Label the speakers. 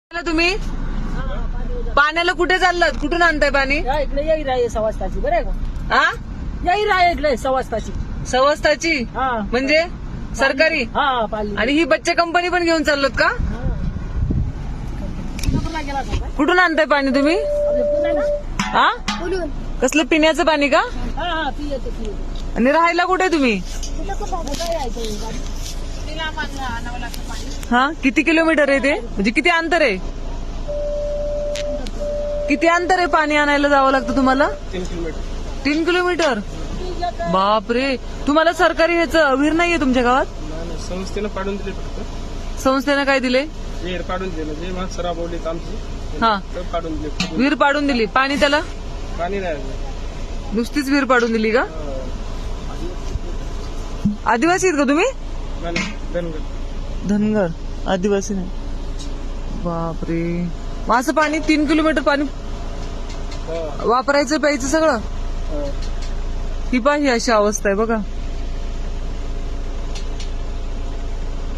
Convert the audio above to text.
Speaker 1: तुम्ही पाण्याला कुठे चाललात? कुठून आणताय पाणी?
Speaker 2: इकडे येईल आहे 6 वाजताची बरं आहे का?
Speaker 1: हा
Speaker 2: येईल आहे इकडे 6 वाजताची.
Speaker 1: सवस्ताची
Speaker 2: हा
Speaker 1: म्हणजे सरकारी?
Speaker 2: हा पाली.
Speaker 1: आणि ही बच्चे कंपनी पण घेऊन चाललोत का?
Speaker 2: सिंगापूरला गेला होता काय?
Speaker 1: कुठून आणताय पाणी तुम्ही?
Speaker 2: आपलं पुण्याला?
Speaker 1: हा
Speaker 2: बोलून.
Speaker 1: कसलं पिण्याचं पाणी का?
Speaker 2: हा पी येते.
Speaker 1: आणि राहायला कुठे तुम्ही?
Speaker 2: कुठं कुठं काय आहे ते गाडी? तिला आणावं लागतं पाणी.
Speaker 1: हा किती किलोमीटर आहे ते? म्हणजे किती अंतर आहे? किती अंतर आहे पाणी आणायला जावं लागतं तुम्हाला?
Speaker 3: 3 किलोमीटर.
Speaker 1: 3 किलोमीटर? बापरे. तुम्हाला सरकारी ह्याचं विहीर नाहीये तुमच्या गावात?
Speaker 3: नाही, संस्थेनं पाडून दिले फक्त.
Speaker 1: संस्थेनं काय दिले?
Speaker 3: विहीर पाडून दिले जे माणसं राबवलीत आमची
Speaker 1: हा
Speaker 3: तर पाडून दिले.
Speaker 1: विहीर पाडून दिली. पाणी त्याला
Speaker 3: पाणी नाही.
Speaker 1: नुसतीच विहीर पाडून दिली का? आदिवासी आहेत का तुम्ही?
Speaker 3: नाही, धनगर.
Speaker 1: धनगर. आदिवासी नाही. बापरे. मग असं पाणी 3 किलोमीटर पाणी
Speaker 3: हा,
Speaker 1: वापरायचं प्यायचं सगळं?
Speaker 3: हा.
Speaker 1: ही पाही अशी अवस्था आहे बघा.